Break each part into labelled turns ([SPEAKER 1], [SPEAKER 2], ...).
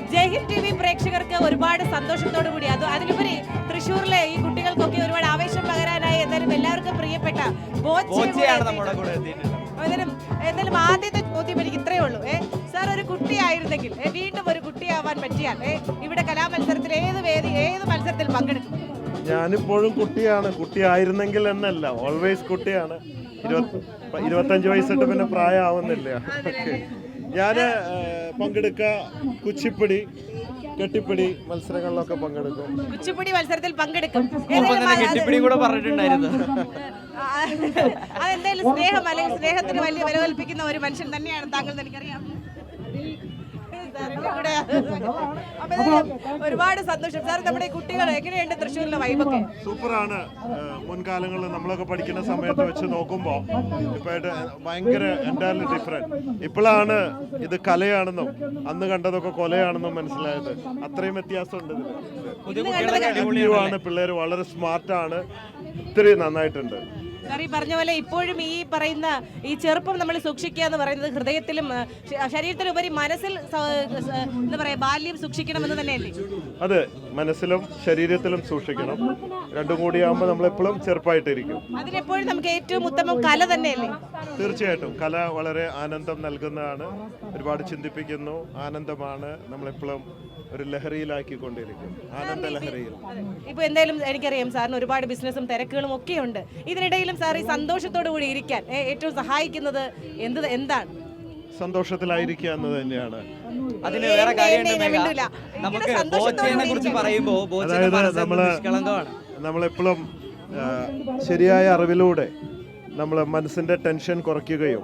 [SPEAKER 1] Jaihind T V പ്രേക്ഷകർക്ക് ഒരുപാട് സന്തോഷത്തോടു കൂടി അതിലുപരി തൃശ്ശൂരിലെ ഈ കുട്ടികൾക്കൊക്കെ ഒരുപാട് ആവേശം പകരാനായി എന്തായാലും എല്ലാവർക്കും പ്രിയപ്പെട്ട
[SPEAKER 2] ബോച്ചയാണ് നമ്മുടെ കൂടെ എത്തിയിട്ടുള്ളത്.
[SPEAKER 1] എന്തായാലും ആദ്യത്തെ ചോദ്യം എനിക്ക് ഇത്രയേ ഉള്ളൂ. സാർ ഒരു കുട്ടിയായിരുന്നെങ്കിൽ വീണ്ടും ഒരു കുട്ടിയാവാൻ പറ്റിയാൽ ഇവിടെ കലാമത്സരത്തിൽ ഏത് മത്സരത്തിൽ പങ്കെടുക്കും?
[SPEAKER 3] ഞാനിപ്പോഴും കുട്ടിയാണ്, കുട്ടിയായിരുന്നെങ്കിൽ എന്നല്ല, ഓൾവേസ് കുട്ടിയാണ്. 25 വയസ്സിട്ട് പിന്നെ പ്രായമാവുന്നില്ല. ഞാൻ പങ്കെടുക്കുക കുച്ചിപ്പിടി, കെട്ടിപ്പിടി മത്സരങ്ങളിലൊക്കെ പങ്കെടുക്കും.
[SPEAKER 1] കുച്ചിപ്പിടി മത്സരത്തിൽ പങ്കെടുക്കും.
[SPEAKER 2] കെട്ടിപ്പിടി കൂടെ പറഞ്ഞിട്ടുണ്ടായിരുന്നു.
[SPEAKER 1] അതെന്തായാലും സ്നേഹം അല്ലെങ്കിൽ സ്നേഹത്തിന് വലിയ വില കൽപ്പിക്കുന്ന ഒരു മനുഷ്യൻ തന്നെയാണ് താങ്കൾ എന്ന് എനിക്കറിയാം. ഒരുപാട് സന്തോഷം സാർ. നമ്മുടെ കുട്ടികൾ എങ്ങനെയുണ്ട് തൃശ്ശൂരിലെ വൈബൊക്കെ?
[SPEAKER 3] സൂപ്പറാണ്. മുൻകാലങ്ങളിൽ നമ്മളൊക്കെ പഠിക്കുന്ന സമയത്ത് വെച്ച് നോക്കുമ്പോൾ ഇപ്പോഴായിട്ട് ഭയങ്കര എൻറ്റയർലി ഡിഫറെന്റ്. ഇപ്പോഴാണ് ഇത് കലയാണെന്നും അന്ന് കണ്ടതൊക്കെ കൊലയാണെന്നും മനസ്സിലായത്. അത്രയും വ്യത്യാസമുണ്ട് ഇതിൽ. പിള്ളേർ വളരെ സ്മാർട്ടാണ്, ഒത്തിരി നന്നായിട്ടുണ്ട്.
[SPEAKER 1] സാർ ഈ പറഞ്ഞ പോലെ ഇപ്പോഴും ഈ പറയുന്ന ഈ ചെറുപ്പം നമ്മൾ സൂക്ഷിക്കുക എന്ന് പറയുന്നത് ഹൃദയത്തിലും ശരീരത്തിലുപരി മനസ്സിൽ എന്താ പറയാ ബാല്യം സൂക്ഷിക്കണമെന്ന് തന്നെയല്ലേ?
[SPEAKER 3] അതെ, മനസ്സിലും ശരീരത്തിലും സൂക്ഷിക്കണം. രണ്ടും കൂടിയാകുമ്പോൾ നമ്മളെപ്പോഴും ചെറുപ്പമായിട്ടിരിക്കും.
[SPEAKER 1] അതിനെപ്പോഴും നമുക്ക് ഏറ്റവും ഉത്തമം കല തന്നെയല്ലേ?
[SPEAKER 3] തീർച്ചയായിട്ടും കല വളരെ ആനന്ദം നൽകുന്നതാണ്, ഒരുപാട് ചിന്തിപ്പിക്കുന്നു, ആനന്ദമാണ്. നമ്മളെപ്പോഴും ഒരു ലഹരിയിലാക്കിക്കൊണ്ടിരിക്കും, ആനന്ദ ലഹരിയിൽ.
[SPEAKER 1] ഇപ്പൊ എന്തായാലും എനിക്കറിയാം സാറിന് ഒരുപാട് ബിസിനസ്സും തിരക്കുകളും ഒക്കെ ഉണ്ട്. ഇതിനിടയിലും സാർ ഈ സന്തോഷത്തോടു കൂടി ഇരിക്കാൻ ഏറ്റവും സഹായിക്കുന്നത് എന്താണ്?
[SPEAKER 3] സന്തോഷത്തിലായിരിക്കുക എന്ന് തന്നെയാണ്.
[SPEAKER 2] അതിന് വേറെ കാര്യമുണ്ട്. നമുക്ക് ബോച്ചയെ കുറിച്ച് പറയുമ്പോൾ
[SPEAKER 3] നമ്മളെപ്പോഴും ശരിയായ അറിവിലൂടെ നമ്മളെ മനസ്സിന്റെ ടെൻഷൻ കുറയ്ക്കുകയും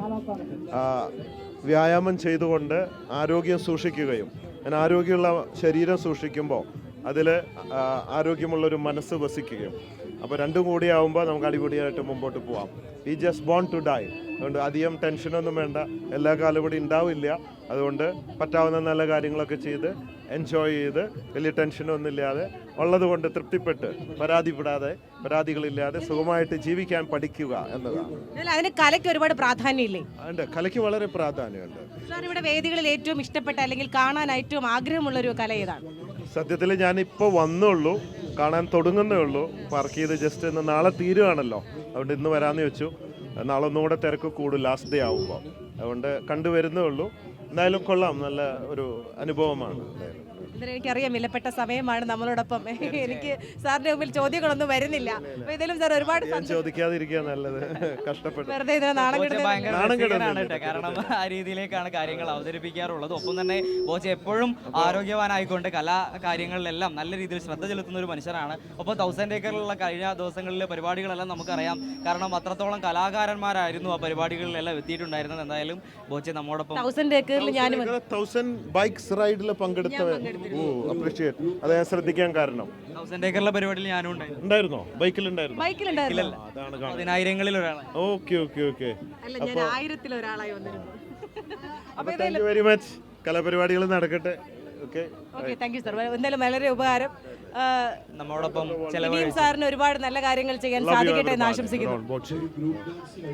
[SPEAKER 3] വ്യായാമം ചെയ്തുകൊണ്ട് ആരോഗ്യം സൂക്ഷിക്കുകയും, ആരോഗ്യമുള്ള ശരീരം സൂക്ഷിക്കുമ്പോൾ അതിൽ ആരോഗ്യമുള്ളൊരു മനസ്സ് വസിക്കുകയും, അപ്പോൾ രണ്ടും കൂടിയാവുമ്പോൾ നമുക്ക് അടിപൊളിയായിട്ട് മുമ്പോട്ട് പോവാം. ഈ ജസ്റ്റ് ബോൺ ടു ഡൈ. അതുകൊണ്ട് അധികം ടെൻഷനൊന്നും വേണ്ട, എല്ലാ കാലം കൂടി ഉണ്ടാവില്ല. അതുകൊണ്ട് പറ്റാവുന്ന നല്ല കാര്യങ്ങളൊക്കെ ചെയ്ത് എൻജോയ് ചെയ്ത് വലിയ ടെൻഷനൊന്നും ഇല്ലാതെ ഉള്ളതുകൊണ്ട് തൃപ്തിപ്പെട്ട് പരാതിപ്പെടാതെ, പരാതികളില്ലാതെ സുഖമായിട്ട് ജീവിക്കാൻ പഠിക്കുക എന്നതാണ്.
[SPEAKER 1] അതിന് കലയ്ക്ക് ഒരുപാട് പ്രാധാന്യമില്ലേ?
[SPEAKER 3] ഉണ്ട്, കലയ്ക്ക് വളരെ പ്രാധാന്യമുണ്ട്.
[SPEAKER 1] സാർ ഇവിടെ വേദികളിൽ ഏറ്റവും ഇഷ്ടപ്പെട്ട അല്ലെങ്കിൽ കാണാൻ ഏറ്റവും ആഗ്രഹമുള്ള ഒരു കല ഏതാണ്?
[SPEAKER 3] സത്യത്തിൽ ഞാനിപ്പോൾ വന്നുള്ളൂ, കാണാൻ തുടങ്ങുന്നേ ഉള്ളൂ. പാർക്ക് ചെയ്ത് ജസ്റ്റ് ഇന്ന് നാളെ തീരുകയാണല്ലോ, അതുകൊണ്ട് ഇന്ന് വരാമെന്ന് വെച്ചു. നാളെ ഒന്നുകൂടെ തിരക്ക് കൂടും ലാസ്റ്റ് ഡേ ആവുമ്പോൾ, അതുകൊണ്ട് കണ്ടുവരുന്നേ ഉള്ളൂ. എന്തായാലും കൊള്ളാം, നല്ല ഒരു അനുഭവമാണ്.
[SPEAKER 1] എനിക്കറിയാം വിലപ്പെട്ട സമയമാണ് നമ്മളോടൊപ്പം. എനിക്ക് സാറിന്റെ മുമ്പിൽ ചോദ്യങ്ങളൊന്നും വരുന്നില്ല. ഇതിലും സാർ ഒരുപാട്
[SPEAKER 3] ചോദിക്കാതിരിക്കുക നല്ലത്, കഷ്ടപ്പെട്ടു
[SPEAKER 1] വെറുതെ നാണം
[SPEAKER 2] കാരണം ആ രീതിയിലേക്കാണ് കാര്യങ്ങൾ അവതരിപ്പിക്കാറുള്ളത്. ഒപ്പം തന്നെ ബോച്ച എപ്പോഴും ആരോഗ്യവാനായിക്കൊണ്ട് കലാ കാര്യങ്ങളിലെല്ലാം നല്ല രീതിയിൽ ശ്രദ്ധ ചെലുത്തുന്ന ഒരു മനുഷ്യനാണ്. ഒപ്പം 1000 ഏക്കറിലുള്ള കഴിഞ്ഞ ദിവസങ്ങളിലെ പരിപാടികളെല്ലാം നമുക്കറിയാം. കാരണം അത്രത്തോളം കലാകാരന്മാരായിരുന്നു ആ പരിപാടികളിലെല്ലാം എത്തിയിട്ടുണ്ടായിരുന്നത്. എന്തായാലും ബോച്ച നമ്മോടൊപ്പം
[SPEAKER 1] 1000 ഏക്കറിൽ ഞാൻ
[SPEAKER 3] 1000 ബൈക്സ് റൈഡിൽ പങ്കെടുത്ത അപ്രീഷിയേറ്റ്. അത് ഞാൻ ശ്രദ്ധിക്കാൻ കാരണം
[SPEAKER 2] 1000 ഏക്കറിലെ പരിപാടിയിൽ ഞാനും
[SPEAKER 3] ഉണ്ടായിരുന്നോ? ബൈക്കിലുണ്ടായിരുന്നു.
[SPEAKER 2] 10,000-ങ്ങളിൽ ഒരാളാണ്.
[SPEAKER 3] Okay okay okay.
[SPEAKER 1] ഞാൻ 1000-ൽ ഒരാളായി വന്നിരുന്നു.
[SPEAKER 3] Thank you very much. കലാപരിപാടികൾ നടക്കട്ടെ. Okay,
[SPEAKER 1] thank you sir. എന്തായാലും വളരെ ഉപകാരം.
[SPEAKER 2] നമ്മോടൊപ്പം
[SPEAKER 1] സാറിന് ഒരുപാട് നല്ല കാര്യങ്ങൾ ചെയ്യാൻ സാധിക്കട്ടെ എന്ന് ആശംസിക്കുന്നു.